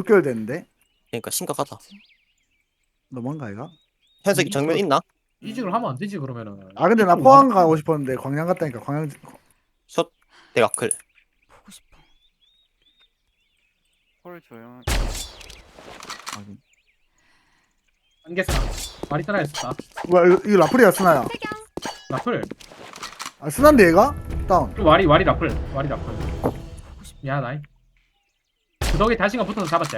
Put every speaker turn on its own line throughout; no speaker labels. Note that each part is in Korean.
개월 됐는데?
그러니까 심각하다.
너무한가 이가?
현석이 정면 있나?
이직을 하면 안 되지 그러면은.
아 근데 나
이쪽으로
포항
와봐.
가고 싶었는데 광양 갔다니까 광양.
숏 대각클.
보고 싶어.
홀 조용.
안개스나. 말이 따라했었다.
뭐야 이거 라플이야 스나야.
라플.
아 스나인데 얘가? 다운.
와리 라플. 와리 라플. 미안하다. 그 덕에 다시가 붙어서 잡았지.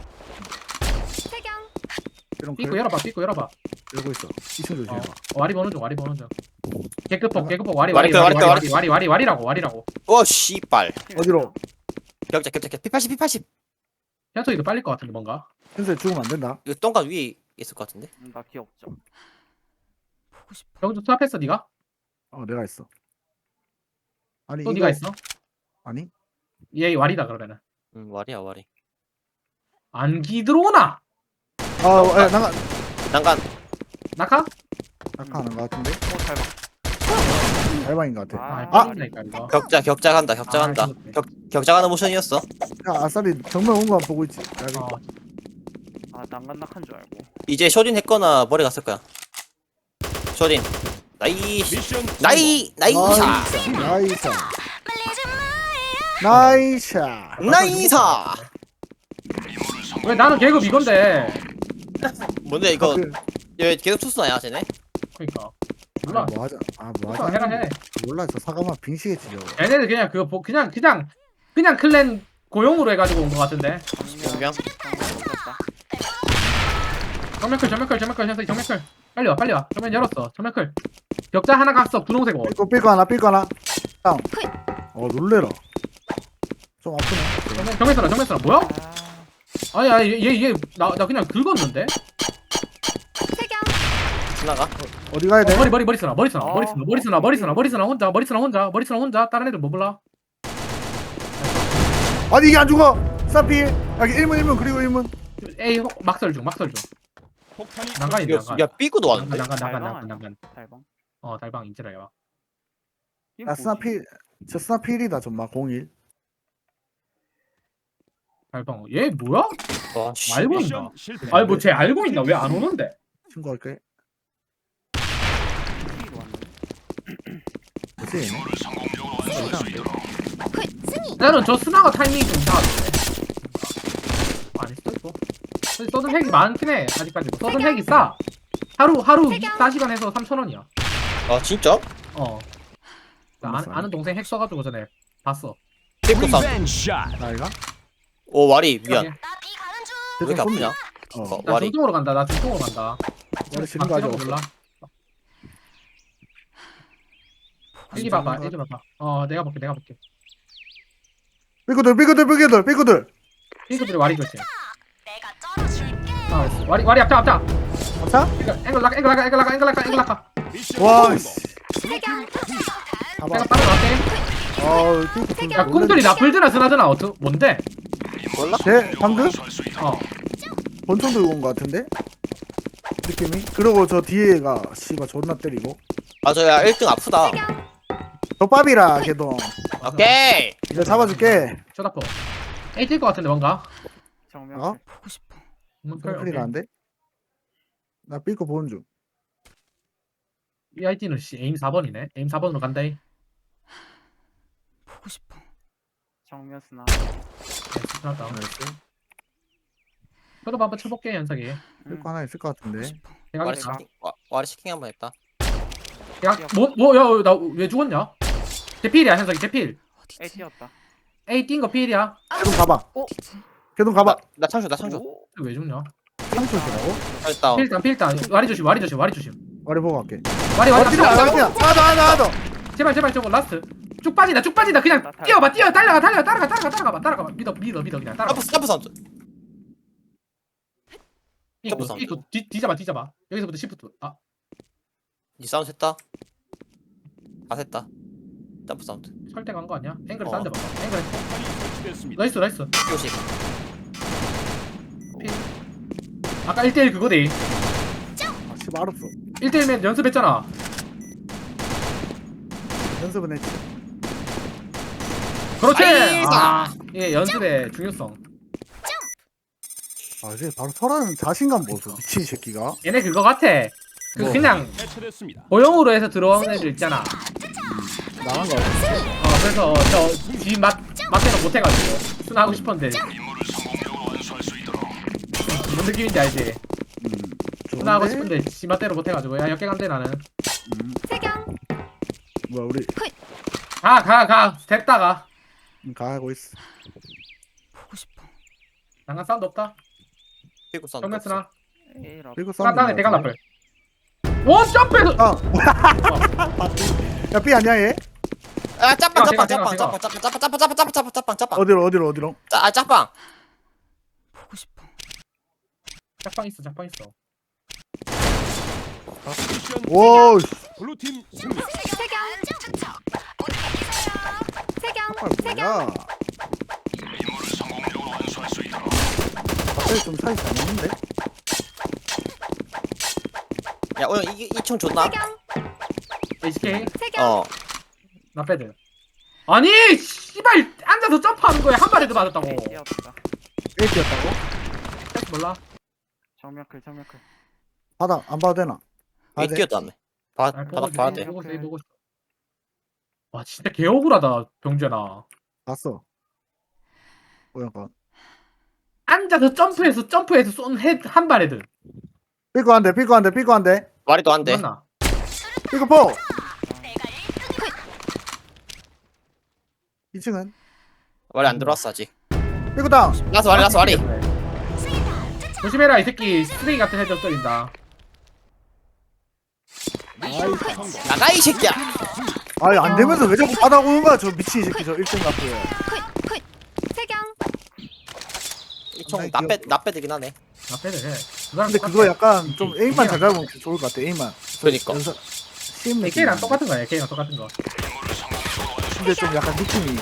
이런
삐꾸
걸
열어봐. 삐꾸 열어봐.
열고 있어. 2층 조심해봐.
와리 보는 중. 와리 보는 중. 개급폭 와리 와리라고.
어 씨발.
어디로?
격자 P80 P80.
현석이도 빨릴 것 같은데 뭔가.
현수에 죽으면 안 된다.
이거 똥간 위에 있을 것 같은데.
나 귀엽죠.
보고 싶어.
병준 투합했어 네가?
내가 있어. 아니
또
이거
네가 있어?
아니?
얘 와리다 그러면은.
와리야 와리.
안기 들어오나?
야, 나가
난간.
낙하?
낙하하는 거 같은데?
잘 봐.
알바인 거 같아.
아,
아,
빠진다니까 이거.
격자 간다. 격자 간다.
죽었네.
격자 가는 모션이었어.
야 아싸리 정면 온 거 보고 있지. 야,
어,
난간낙한 줄 알고.
이제 쇼딘 했거나 머리 갔을 거야. 쇼딘. 나이스. 나이스.
나이스. 나이스.
나이스.
왜 나는 계급 이건데?
뭔데 이거
그,
얘 계속 투수나야 쟤네?
그러니까 몰라.
뭐 하자. 뭐
투수
하자.
해라 해.
몰라 저 사과만 빙시겠지 저거.
얘네들 그냥 그거 그냥 클랜 고용으로 해가지고 온 것 같은데.
용병.
정면클 현석이 정면클. 빨리 와. 정면 열었어. 정면클. 격자 하나 갔어. 분홍색 옷.
삐거 하나. 다운. 놀래라. 좀 아프네.
정면 쓰나 뭐야? 아니 얘나 그냥 긁었는데.
스나가?
어디 가야 돼?
머리 쓰나 혼자 다른 애들 뭐 몰라?
아니 이게 안 죽어. 사피. 여기 1문 그리고 1문.
에이 막설 중. 난간이네 난간.
야 삐꾸도 왔는데?
난간.
달방.
달방 인지라야 와.
야 스나필. 저 스나필이다 전마 01.
달방. 얘 뭐야?
와 씨.
알고 있나? 아니 뭐 쟤 알고 있나? 왜 안 오는데?
친구할게. 뭐지?
나는 저 스나가 타이밍이 좀 이상한데. 아닐 수도 있고. 서든 핵이 많긴 해 아직까지도. 서든 핵이 싸. 하루 24시간 해서 3,000원이야.
아 진짜?
나 아는 동생 핵 써가지고 전에 봤어.
삐꾸 사운드.
나이가?
오 와리 미안. 왜
대충
이렇게 아프냐?
어.
나
와리.
중동으로 간다.
원래 지는 거 아직 없어.
몰라. 일기 봐봐. 내가 볼게.
삐꾸들.
핑크들이 와리 조심. 와리 앞자.
맞아?
앵글 라카.
와 씨.
내가
봐봐.
따라갈게.
삐꾸.
야 꿈들이 나풀드나 스나드나 뭔데?
몰라?
쟤 방금
어.
권총 들고 온 거 같은데? 느낌이? 그리고 저 뒤에가 씨발 존나 때리고.
아 저야 1등 아프다.
저 밥이라 걔도.
오케이.
이제 잡아줄게.
쇼다포. 에이 뛸것 같은데 뭔가.
정면.
어?
보고 싶어.
큰일이라는데? 나 삐꾸 보는 중.
이 아이디는 에임 4번이네. 에임 4번으로 간다.
보고 싶어.
정면 스나.
스나다. 저도 한번 쳐볼게 현석이.
삐꾸 하나 있을 것 같은데.
내가
와리
있다.
시킹 와리 시킹 한번 했다.
야, 나 왜 죽었냐? 대필이야 현석이 대필.
A 튀었다.
에이 뛴 거 필이야.
걔도 가봐. 걔도 가봐.
나 창조.
왜 죽냐?
상처시라고?
잘했다.
필단. 와리 조심.
머리 보고 갈게.
와리
뛰어. 하나 더.
제발 저거 라스트. 쭉 빠진다. 그냥 뛰어봐. 따라가봐. 믿어 그냥 따라가.
스타프 사운드.
이거 뒤잡아. 여기서부터 시프트.
니 사운드 했다. 다 했다. 스타프 사운드.
설대 간 거 아니야? 앵글
어.
싼데 봐봐. 앵글. 나이스.
요식.
아까 1대1 그거대.
아 씨발 알았어.
1대1면 연습했잖아.
연습은 했지.
그렇지.
아이고.
예, 연습의 중요성.
아 이제 바로 설하는 자신감 보소 미친 새끼가.
얘네 그거 같아. 그
뭐?
그냥
해체됐습니다.
고용으로 해서 들어오는 애들 있잖아.
나간 거 같아.
그래서 저지 맞대로 못 해가지고 순하고 싶었는데. 무슨 느낌인지 알지? 순하고
좋은데?
싶은데 지 맞대로 못 해가지고 야 역갱한데 나는.
뭐야 우리
가 됐다가
가고 있어.
보고 싶어.
난간 사운드 없다.
피고 싼
정면 쓰나?
에이라.
그리고
딴딴에 대각 라플. 원 점프해서.
아 뭐야? 야 B 아니야 얘?
아 짭빵
제가,
짭빵
제가.
짭빵
어디로?
아 짭빵
보고 싶어.
짝방 있어.
미션
오
블루팀 승리.
뭐야? 갑자기 좀 사이 잘 맞는데?
야 오늘 이총 줬나?
HK
어
나패드. 아니 씨발 앉아서 점프하는 거에 한 발에도 맞았다고.
뛰었다.
1T였다고?
몰라.
정면클.
바닥 안 봐도 되나?
왜
돼.
끼었다며 바닥 봐야 돼
보고 있어. 와 진짜 개 억울하다 병준아.
봤어. 뭐야 건?
앉아서 점프해서 쏜 헤드 한 발에도.
삐고 한 대.
말이도 안돼
맞나?
삐고 포. 2층은?
말이 안 들어왔어 아직
삐고 다운.
라스 와리
조심해라 이 새끼 쓰레기 같은 헤드 떨린다.
나가 이 새끼야
아니 안 되면서 왜 자꾸 바닥 오는 거야 저 미친 새끼 저 1등 같은.
이총 나빼되긴 하네
나패드 해. 그 사람
근데
똑같아.
그거 약간 좀 에임만 잘 잡으면 좋을 것 같아. 에임만.
그러니까
시임 느낌.
AK랑 똑같은 거야. AK랑 똑같은 거.
근데 좀 약간 느낌이.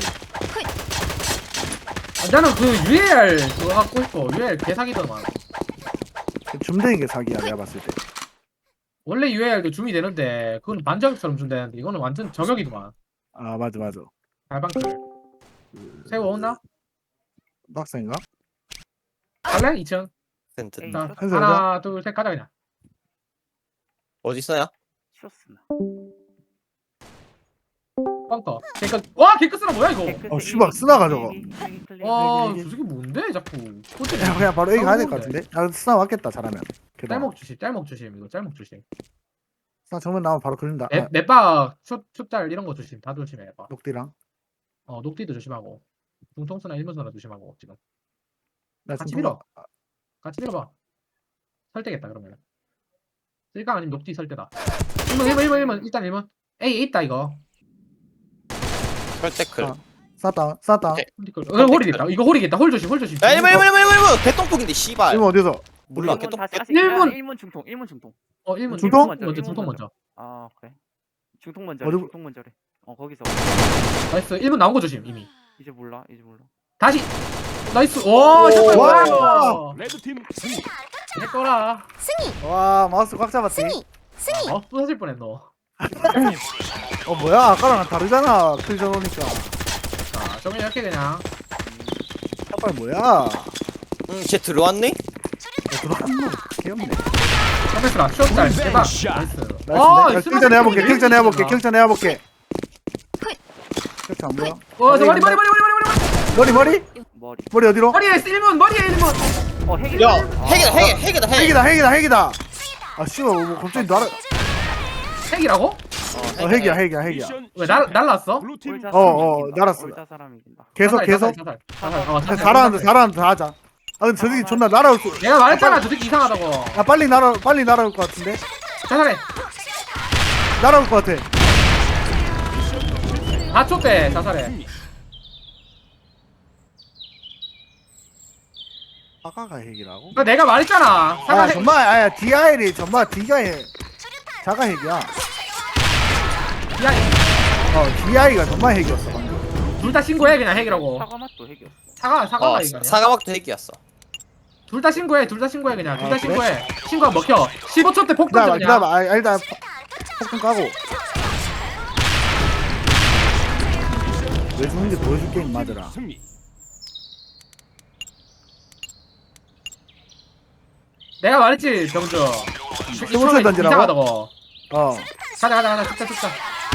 나는 그 UAR 그거 갖고 싶어. UAR 개사기더만.
줌되는 게 사기야 내가 봤을 때.
원래 UAR도 줌이 되는데 그건 반저격처럼 줌되는데 이거는 완전 저격이더만.
아 맞아.
발방클. 새우 없나?
박스인가?
갈래? 2층.
센트
자,
현수
하나 둘 셋 가자 그냥.
어디 있어요?
쇼스나.
뻥터. 와 개크스나 뭐야 이거?
어, 씨발, 쓰나가 저거.
와, 저 새끼 뭔데 자꾸.
야 그냥 바로 A 가야 될 것 같은데? 아 스나 왔겠다 잘하면. 게다가.
짤목 조심 이거 짤목 조심.
스나 정면 나오면 바로 걸린다. 아,
넷박 슛짤 이런 거 조심. 다 조심해 봐.
녹디랑.
녹디도 조심하고. 중통수나 일문수나 조심하고 지금.
나
같이
지금
밀어. 같이 밀어봐. 설대겠다 그러면. 쓸까 아니면 녹디 설대다. 1번 일단 1번. A 있다 이거.
설대클
아. 쌌다.
오케이.
홀이겠다. 이거 홀이겠다. 홀 조심.
야 1번 개똥폭인데 씨발
이거 어디서?
몰라
1문
개똥
다시 하시.
일문.
1문 중통. 1문 중통.
1문
중통?
중통 먼저.
아 그래. 중통 먼저.
어디-
중통 먼저래. 거기서.
나이스. 1문 나온 거 조심 이미.
이제 몰라.
다시. 나이스. 오, 샷발.
와.
와.
레드팀 승리.
해거라.
와 마우스 꽉 잡았지.
부서질 뻔했 너.
뭐야 아까랑 다르잖아. 클전 오니까.
자, 정면 이렇게 그냥.
샷발 뭐야?
쟤 들어왔네?
들어왔노. 귀엽네.
서비스라 숏짤 대박.
샷.
나이스.
나이스. 킬전 해볼게. 킬전 해볼게. 킬전 안 보여?
저 머리.
머리 어디로?
머리에 1문. 머리에 1문.
핵이.
야 핵이다
핵이다. 아 씨발 뭐 갑자기 날아.
핵이라고?
핵이야.
미션
왜 날랐어?
블루팀
날았어.
올자 사람 이긴다.
계속.
자살.
잘하는데 다 하자. 아 근데 저 새끼 존나 날아올 거.
내가 말했잖아 저 새끼 이상하다고.
야 빨리 날아올 것 같은데?
자살해.
날아올 것 같아.
4초 때 자살해.
아까가 핵이라고?
그러니까 내가 말했잖아.
아
사과해.
정말 아야 DIL이 정말 D가 자가 핵이야.
야,
DI가 정말 핵이었어 방금.
둘 다 신고해 그냥 핵이라고.
사과 맛도 핵이었어.
사과가 이거 아니야?
사과막도 핵이었어
둘 다 신고해 그냥. 둘 다
아, 그래?
신고해. 신고하면 먹혀. 15초 때 폭 던져 그냥.
기다려봐. 아 일단 폭탄 까고. 왜 죽는지 보여줄게 임마들아.
승리.
내가 말했지 병주.
스무살 던지라고?
이상하다고.
어
가자 죽자.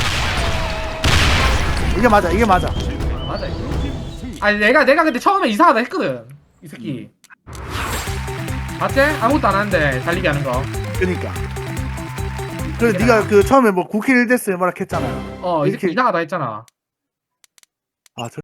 이게 맞아
맞아. 아니 내가 근데 처음에 이상하다 했거든. 이 새끼. 맞지? 아무것도 안 하는데 달리기 하는 거.
그니까 그래 네가 그 처음에 뭐 9킬 1데스 뭐라 했잖아
이 새끼
이렇게-
이상하다 했잖아.
아